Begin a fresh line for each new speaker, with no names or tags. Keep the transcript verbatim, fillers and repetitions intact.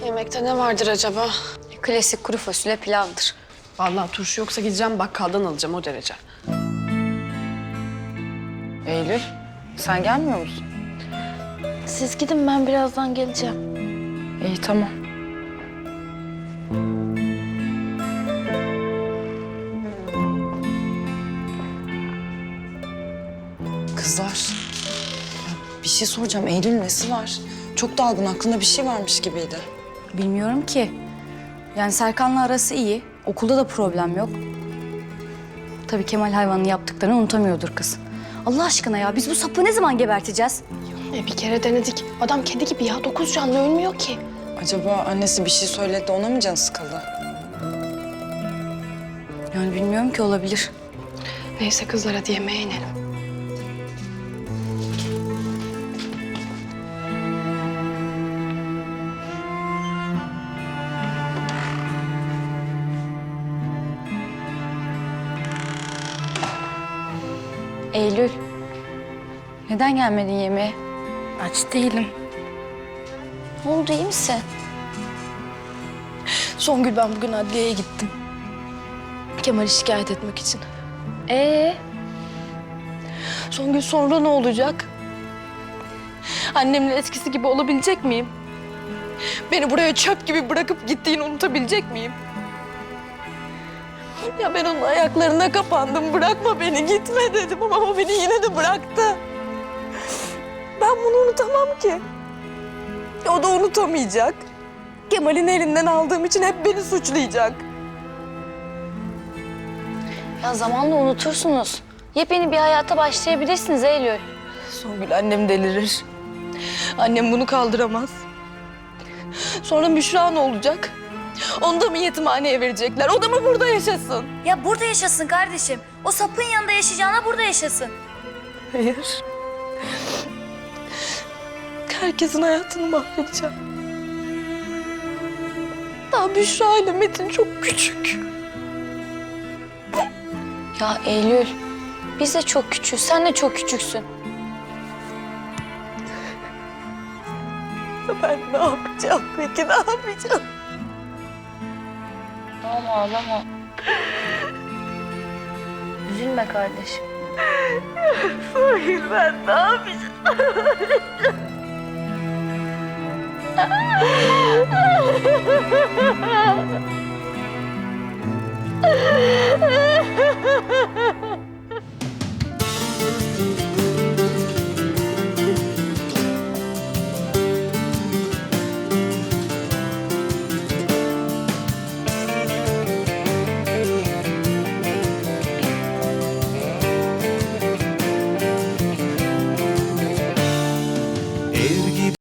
Yemekte ne vardır acaba?
Klasik kuru fasulye pilavdır.
Vallahi turşu yoksa gideceğim bakkaldan alacağım o derece.
Eylül, sen gelmiyor musun?
Siz gidin, ben birazdan geleceğim.
İyi, tamam. Kızlar, ya bir şey soracağım. Eylül nesi var? Çok dalgın, aklında bir şey varmış gibiydi.
Bilmiyorum ki. Yani Serkan'la arası iyi. Okulda da problem yok. Tabii Kemal hayvanın yaptıklarını unutamıyordur kız. Allah aşkına ya, biz bu sapı ne zaman geberteceğiz?
E bir kere denedik. Adam kedi gibi ya. Dokuz canlı ölmüyor ki.
Acaba annesi bir şey söyledi de ona mı canı sıkıldı?
Yani bilmiyorum ki, olabilir.
Neyse kızlar hadi yemeğe inelim.
Eylül, neden gelmedin yemeğe?
Aç değilim.
Ne oldu, iyi misin?
Songül, ben bugün adliyeye gittim. Kemal'i şikayet etmek için.
Ee,
Songül, sonra ne olacak? Annemin eskisi gibi olabilecek miyim? Beni buraya çöp gibi bırakıp gittiğini unutabilecek miyim? Ya ben onun ayaklarına kapandım. Bırakma beni, gitme dedim ama o beni yine de bıraktı. Ben bunu unutamam ki. O da unutamayacak. Kemal'in elinden aldığım için hep beni suçlayacak.
ya zamanla unutursunuz. Yepyeni bir hayata başlayabilirsiniz Eylül.
Songül, annem delirir. Annem bunu kaldıramaz. Sonra Büşra ne olacak? Onu da mı yetimhaneye verecekler? O da mı burada yaşasın?
Ya burada yaşasın kardeşim. O sapın yanında yaşayacağına burada yaşasın.
Hayır. Herkesin hayatını mahvedeceğim. Daha Büşra ile Metin çok küçük.
Ya Eylül, biz de çok küçüğüz, sen de çok küçüksün.
Ben ne yapacağım peki, ne yapacağım?
Ağlama, ağlama. Üzülme kardeşim.
Hayır, ben ne yapacağım?